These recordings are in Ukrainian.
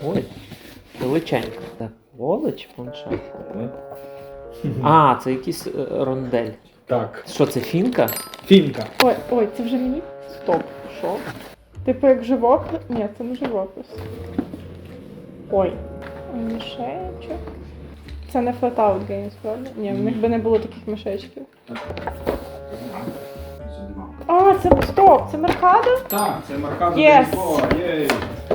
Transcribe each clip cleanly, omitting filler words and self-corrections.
Ой, величенька. Так, Оле чи планшет? А, це якийсь рондель. Так. Що це, фінка? Фінка. Ой, це вже мені? Стоп, що? Типу як живопис? Ні, це не живопис. Ой, мішечок. Це не Flatout Games, правда? Ні, в них би не було таких мішечків. А, це стоп, це Меркадо? Так, це Меркадо Yes. Єй.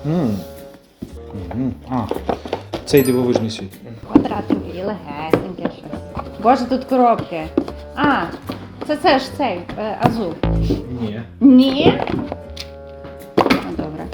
Цей дивовижний світ. Квадратові, легесеньке щось. Боже, тут коробки. А, це ж цей, Азу. Ні. Ні? Ну, добре.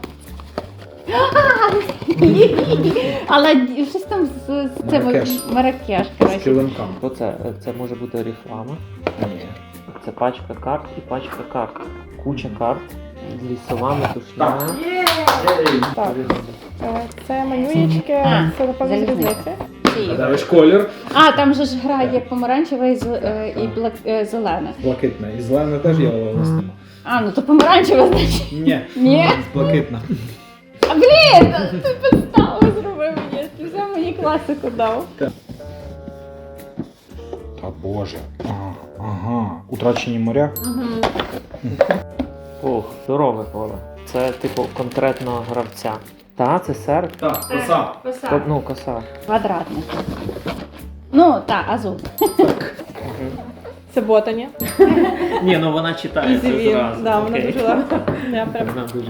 Але щось там з цим Маракеш. Маракеш, З коротше. килимком. Що це? Це може бути реклама. Ні. Це пачка карт і пачка карт. Куча карт. Лісова метушня. Так. Це манюєчки, А, це напевно з залізниця. різниці. Ці. Гадаєш колір? А, там же ж грає помаранчеве і зелене. Блакитне. І зелене теж є, але у нас нема. А, ну то помаранчеве, значить. Ні. Ні? Блакитна. А, блін, ти підставу зробив мені, ти взяв мені класику дав. Та боже. Ага. Утрачені моря. Ох, здорове поле. Це типу конкретного гравця. Та, це серп. Так, коса. Ну, коса. Квадратний. Ну, так, Азу. Це ботані. Ні, ну вона читається Ізі зразу. він. Да, вона Окей. дуже легко. Я прям. Вона дуже.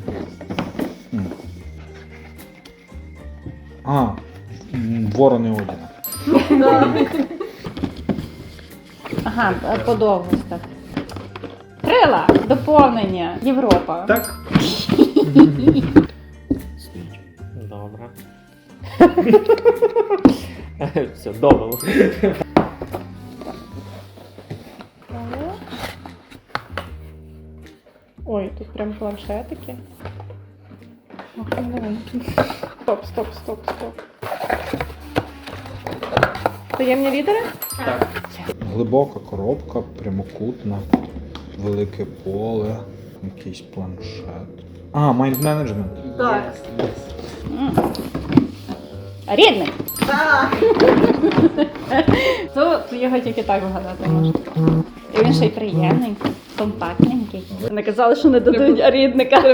Ворони Одіна. Ага, подовгосток. Крила, доповнення, Європа. Так. Добре. Все, добре. Ой, тут прям планшетики. Ох, маленький. Стоп. Таємні лідери? Глибока коробка, прямокутна, велике поле, якийсь планшет. Mind Management. Так. Рідний. То його тільки так вгадати можна. І він ще й приємненький, компактненький. Не казали, що не дадуть рідника.